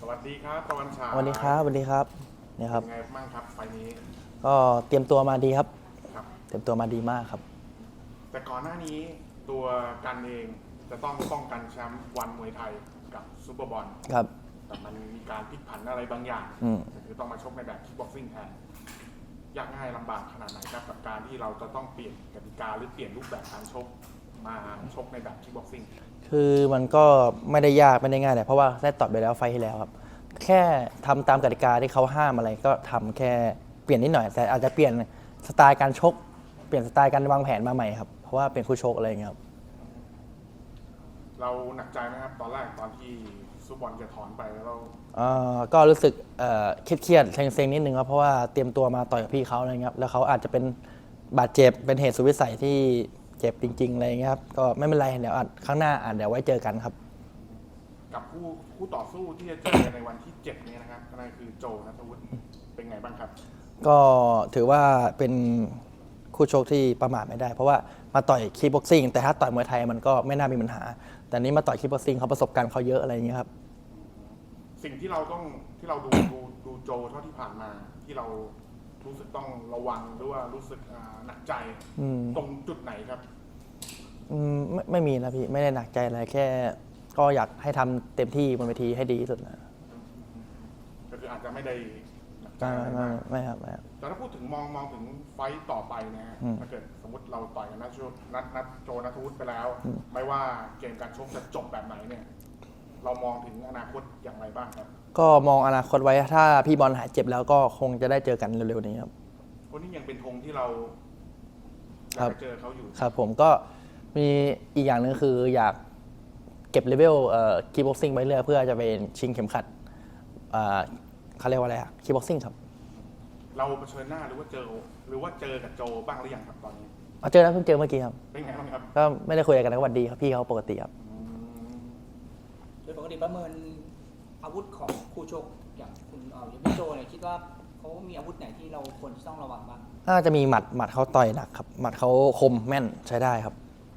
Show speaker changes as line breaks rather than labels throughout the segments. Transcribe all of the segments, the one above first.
วัสดีครับตะวันฉาย
สวัสดีครับสวัสดีครับเนี่ยครับ
เป็นไงบ้างครับไฟล์นี้
ก็เตรียมตัวมาดีครับ
ครับ
เตรียมตัวมาดีมากครับ
แต่ก่อนหน้านี้ตัวกันเองจะต้องป้องกันแชมป์วันมวยไทยกับซูเปอร์บอล
ครับ
แต่มันมีการพลิกผันอะไรบางอย่างคือต้องมาชกในแบบคิกบ็อกซิ่งแทนยากง่ายลำบากขนาดไหนครับกับการที่เราจะต้องเปลี่ยนกติกาหรือเปลี่ยนรูปแบบการชกมาชกในแบบคิกบ็อกซิ่ง
คือมันก็ไม่ได้ยากไม่ได้ง่ายเลยเพราะว่าได้ตอบไปแล้วไฟล์ที่แล้วครับแค่ทำตามกติกาที่เขาห้ามอะไรก็ทำแค่เปลี่ยนนิดหน่อยแต่อาจจะเปลี่ยนสไตล์การชกเปลี่ยนสไตล์การวางแผนมาใหม่ครับเพราะว่าเป็นคู่ชกอะไรอย่างเงี้ยครับ
เราหนักใจไหมครับตอนแรกตอนที่ซูเปอร์บอลจะถอนไปแล้วเรา
ก็รู้สึกเครียดๆเซ็งๆนิดนึงครับเพราะว่าเตรียมตัวมาต่อยกับพี่เขาอะไรเงี้ยครับแล้วเขาอาจจะเป็นบาดเจ็บเป็นเหตุสุดวิสัยที่เจ็บจริงๆอะไรเงี้ยครับก็ไม่เป็นไรเดี๋ยวข้างหน้าเดี๋ยวไว้เจอกันครับ
กับคู่ต่อสู้ที่จะเจอกันในวันที่7นี้นะครับนั่นคือโจนัทวุฒิเป็นไงบ้างครับ
ก็ถือว่าเป็นคู่ชกที่ประมาทไม่ได้เพราะว่ามาต่อยคีบ็อกซิ่งแต่ถ้าต่อยมวยไทยมันก็ไม่น่ามีปัญหาแต่นี้มาต่อยคีบ็อกซิ่งเขาประสบการณ์เขาเยอะอะไรอย่างเงี้ยครับ
สิ่งที่เราดูโจเท่าที่ผ่านมาที่เรารู้สึกต้องระวังหรือว่ารู้สึกหนักใจตรงจุดไหนครับ
ไม่มีนะพี่ไม่ได้หนักใจอะไรแค่ก็อยากให้ทำเต็มที่บนเวทีให้ดีที่สุดนะ
ก็คืออาจจะไม่ได้หนักใจ
ไม่ครับไม่ครับ
แต่ถ้าพูดถึงมองถึงไฟต์ต่อไปนะฮะถ้าเกิดสมมติเราต่อยกันนัดโจนัทวุฒิไปแล้ว ไม่ว่าเกมการชกจะจบแบบไหนเนี่ยเรามองถึงอนาคตอย่างไรบ้างครับ
ก็มองอนาคตไว้ถ้าพี่บอลหายเจ็บแล้วก็คงจะได้เจอกันเร็วๆนี้ครับ
คนนี้ยังเป็นธงที่เราอยากเจอเขาอยู่
ครับผมก็มีอีกอย่างหนึ่งคืออยากเก็บเลเวลคีบ็อกซิ่งไว้เรื่อยเพื่อจะไปชิงเข็มขัดเขาเรียกว่าอะไรอะคีบ็อกซิ่งครับ
เราเผชิญหน้าหรือว่าเจอกับโจบ้างหรือยังครับตอนนี้
เจอแล้วเพิ่งเจอเมื่อกี้ครับ
เป็นไงบ้างครับ
ก็ไม่ได้คุยกันนะวันดีครับพี่เขาปกติครับ
โดยปกติประเมินอาวุธของคู่ชกอย่างคุณอย่างพี่โจเนี่ยคิดว่าเขามีอาวุธไหนที่เราควรต้องระวังบ้าง
น่าจะมีหมัดเขาต่อยหนักครับหมัดเขาคมแม่นใช้ได้ครับ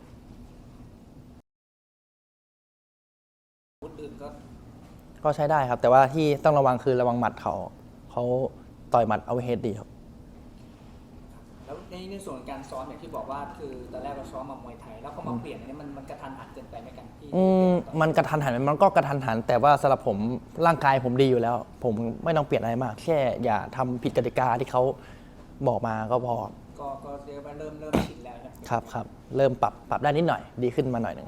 อาวุธอื่น
ก็ใช้ได้ครับแต่ว่าที่ต้องระวังคือระวังหมัดเขาต่อยหมัดเอาเฮดดีครับ
แล้วในส่วนการซ้อมอย่างที่บอกว่าคือตอนแรกเราซ้อมมามวยไทยแล้วเขามาเปลี่ยนอันนี้มันกระทันหันเกินไปไหมกันที่
มันกระทันหันมันก็กระทันหันแต่ว่าสำหรับผมร่างกายผมดีอยู่แล้ว ผมไม่ต้องเปลี่ยนอะไรมากแค่อย่าทำผิดกติกาที่เขาบอกมาก็พอ
ก็เรียกว่าเริ่มชินแล้ว
ครับเริ่มปรับได้นิดหน่อยดีขึ้นมาหน่อยหนึ่ง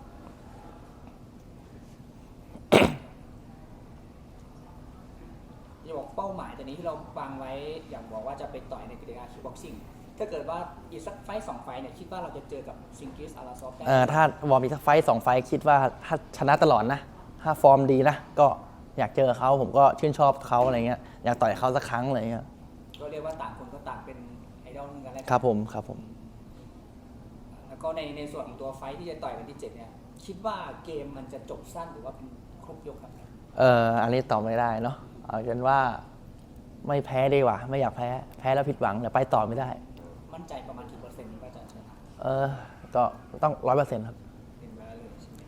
จะบอกเป้าหมายตอนนี้ที่เราวางไว้อย่างบอกว่าจะไปต่อยในกีฬาคิกบ็อกซิ่งถ้าเกิดว่าอีกสักไฟต์2ไฟต์เนี่ยคิดว่าเราจะเจอกับซิงกิสอาราซอฟได้
ถ้าวอร์มอีกสักไฟต์2 ไฟต์คิดว่าถ้าชนะตลอดนะถ้าฟอร์มดีนะก็อยากเจอเขาผมก็ชื่นชอบเขาอะไรเงี้ยอยากต่อยเขาสักครั้งอะไรเงี้ย
ก็เรียกว่าต่างคนก็ต่างเป็นไอดอลกันแล้ว
ครับผม
แล้วก็ในส่วนของตัวไฟต์ที่จะต่อยวันที่7เนี่ยคิดว่าเกมมันจะจบสั้นหรือว่าเป็นครบยกครับ
อันนี้ตอบไม่ได้เนาะเอาเป็นว่าไม่แพ้ดีกว่าไม่อยากแพ้แล้วผิดหวังเดี๋ยวไปต่อไม่ได้
มั่นใจประมาณกี่เปอร์เซ็นต์ว่าจะชนะ
ก็ต้อง100%ครับ
เป็นไปได้เลยใช่ไหม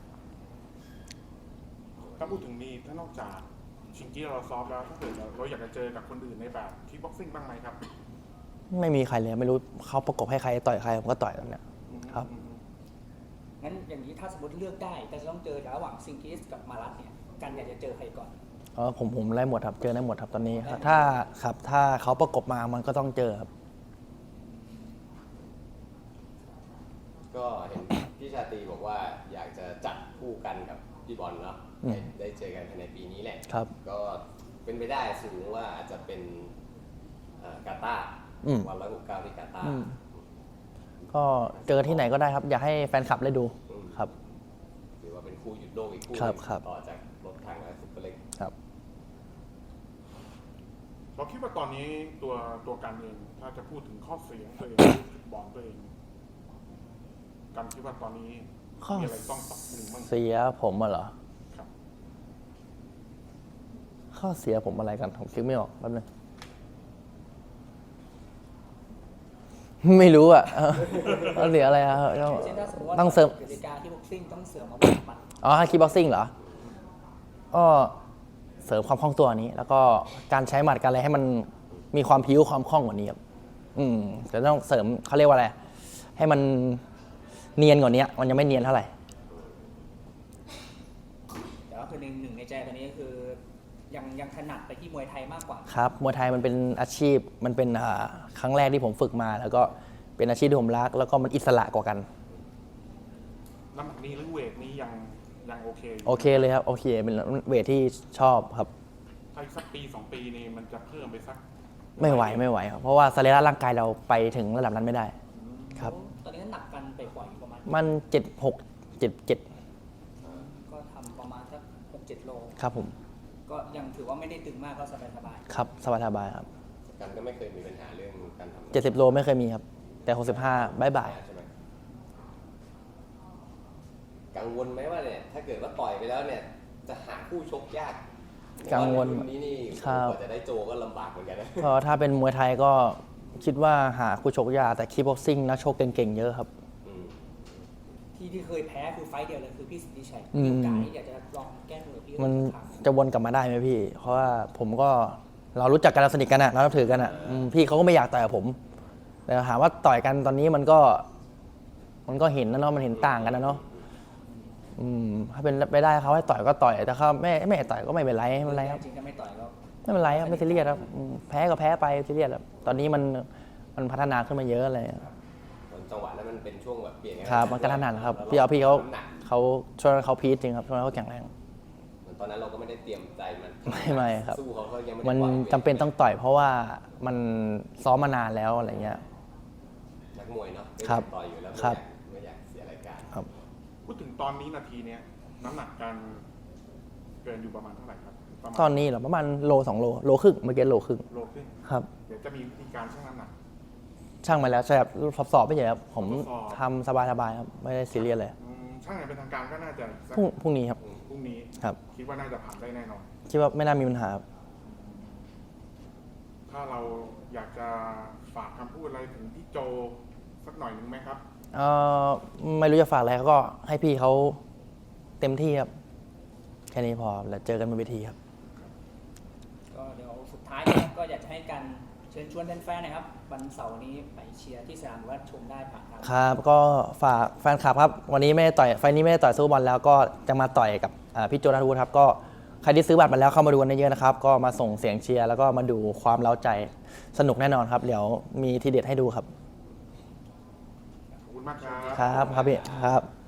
ถ้าพูดถึงนี้ถ้านอกจากชิงกี้เราซ้อมแล้วถ้าเกิดเราอยากจะเจอกับคนอื่นในแบบคิกบ็อกซิ่งบ้างไหมครับ
ไม่มีใครเลยไม่รู้เขาประกบให้ใครต่อยใครผมก็ต่อยแล้วเนี่ยครับ
งั้นอย่างนี้ถ้าสมมติเลือกได้แต่จะต้องเจอระหว่างซิงกิสกับมารัตเนี่ยกันอยากจะเจอใครก่อน
ผมไล่หมดครับเจอได้หมดครับตอนนี้ถ้าเขาประกบมามันก็ต้องเจอครับ
ก็เห็นพี่ชาตรีบอกว่าอยากจะจัดคู่กันกับพี่บอลเนาะได้เจอกันภายในปีนี้แหละก็เป็นไปได้สูงว่าอาจจะเป็นกาตาร์วัน169ที่กาตาร์
ก็เจอที่ไหนก็ได้ครับอยากให้แฟนคลับได้ดูครับ
ถือว่าเป็นคู่หยุดโลกอีกคู่ต่อจากรถถังและซุปเปอร์เล็ก
ครับ
เราคิดว่าตอนนี้ตัวกันเองถ้าจะพูดถึงข้อเสียตัวเองจุดบอลตัวเองกันคิดว่าตอนนี้มีอะไรต้องปรับปรุงบ้าง
เสียผมเหรอ
ครับ
ข้อเสียผมอะไรกันผมคิดไม่ออกแป๊บนึงไม่รู้อ่ะเสียอะไรอะ
ต้องเสริมกติกาที่บ็อกซิ่งต้องเสริมอาวุธหมัด
คีบ็อกซิ่งเหรอก็เสริมความคล่องตัวนี้ แล้วก็การใช้หมัดการอะไรให้มันมีความพิ้วความคล่องกว่านี้ครับแต่ต้องเสริมเขาเรียกว่าอะไรให้มันเนียนกว่านี้มันยังไม่เนียนเท่าไหร่
แต่ว่าคือหนึ่งในใจตอนนี้ก็คือยังถนัดไปที่มวยไทยมากกว่า
ครับมวยไทยมันเป็นอาชีพมันเป็นครั้งแรกที่ผมฝึกมา แล้วก็เป็นอาชีพที่ผมรัก แล้วก็มันอิสระกว่ากัน
น้ำหนักนี้หรือเวทนี้ยังโอเคอยู่
โอเคเลยครับโอเคเป็นเวทที่ชอบครับ
ถ้าอีกสักปี 2 ปีนี่มันจะเพิ่มไปสัก
ไม่ไหวครับเพราะว่าสรีระร่างกายเราไปถึงระดับนั้นไม่ได้ ครับ
ตอนนี้น้ำหนักกันไปปล่อยอยู่ประมาณ
มัน76 77
ก็ทำประมาณสัก6-7 โล
ครับผม
ก็ยังถือว่าไม่ได้ตึงมากก็สบาย
ครับสบายๆครับ
กันก็ไม่เคยมีปัญหาเรื่องการทำ
70 โลไม่เคยมีครับ แต่ 65บ๊ายบาย
ใช่ไหมกังวลไหมว่าเนี่ยถ้าเกิดว่าต่อยไปแล้วเนี่ยจะหาคู่ชกยาก
กังวล
เพราะารุ่นนี้นี่
ครับ
กว่าจะได้โจก็ลำบากเหมือนกันนะ
ก็ถ้าเป็นมวยไทยก็คิดว่าหาคู่ชกยากแต่คีบ็อกซิ่งนักชกเก่งๆเยอะครับ
อืม
ๆที่เคยแพ้คือไฟต์เดียวเลยคือพี่สิทธิชัย
อืม
มีโอกาสที่อยากจะลองแก้มือพี่
มัน
ครั้ง
จะวนกลับมาได้ไหมพี่ เพราะว่าผมก็เรารู้จักกันเราสนิทกันอะเรานับถือกันอะพี่เขาก็ไม่อยากต่อยกับผม แต่ถามว่าต่อยกันตอนนี้มันก็เห็นนะเนาะมันเห็นต่างกันนะเนาะถ้าเป็นไปได้เขาให้ต่อยก็ต่อยแต่เขาไม่ให้ต่อยก็ไม่เป็นไรไม่เป็นไรครับ
จริงๆถ้าไม่ต่อยก็
ไม่เป็นไรครับไม่ซีเรียสครับแพ้ก็แพ้ไปซีเรียสครับตอนนี้มันพัฒนาขึ้นมาเยอะอะไร
จังหวะนั้นมันเป็นช่วงแบบเปลี่ยน
ครับมันกระทันหันครับพี่เขา
น้ำหนัก
ช่วงนั้นเขาพีชจริงครับช่วงนั้นเขาแข็งแรง
เหมือนตอนนั้นเราก็ไม่ได้เตรียมใจมัน
ไม่ครับ
สู้เขายังไม่ได้
มัน
ปล่อยวท
จำเป็นต้องต่อยเพราะว่ามันซ้อมมานานแล้วอะไรเงี้ย
นักมวยเนาะ
ครับ
ต่อยอยู่แล้ว
ครับ
ไม่อยากเสียรายการ
ครับ
พูดถึงตอนนี้นาทีเนี้ยน้ำหนักการเกินอยู่ประมาณเท่าไหร่ครับประมาณ
ตอนนี้เหรอประมาณโล2 โลครึ่งเมื่อกี้โลครึ่ง
โลครึ่ง
ครับ
เดี๋ยวจะมีวิธีการชั่งน้ำหนัก
ช่างมาแล้วใช่ครับสอบไม่ใช่ครับผม
ทดสอบ
ทำสบายๆครับไม่ได้ซีเรียสเลย
ช่างอย่างเป็นทางการก็น่าจะสัก
พรุ่งนี้ครับ
พรุ่งนี้
ครับ
คิดว่าน่าจะผ่านได้แน่นอน
คิดว่าไม่น่ามีปัญหาครับ
ถ้าเราอยากจะฝากคำพูดอะไรถึงพี่โจสักหน่อยหนึ่งไหมครับ
ไม่รู้จะฝากอะไรก็ให้พี่เขาเต็มที่ครับแค่นี้พอแล้วเจอกันบนเวทีครับ
ก็เดี๋ยวสุดท้ายนะครับ ก็อยากจะให้กันเชิญชวนแฟนๆนะครับวันเสาร์นี้ไปเชียร์ที่สนามหรือว่าชมได้ผ่านทาง
ครับก็ฝากแฟนคลับครับวันนี้ไม่ได้ต่อยไฟล์นี้ไม่ได้ต่อยสู้บอลแล้วก็จะมาต่อยกับพี่โจนัทวุฒิครับก็ใครที่ซื้อบัตรมาแล้วเข้ามาดูกันเยอะๆนะครับก็มาส่งเสียงเชียร์แล้วก็มาดูความเร้าใจสนุกแน่นอนครับเดี๋ยวมีทีเด็ดให้ดูครับ
ขอบคุณมากครับ
ครับพี่ครับ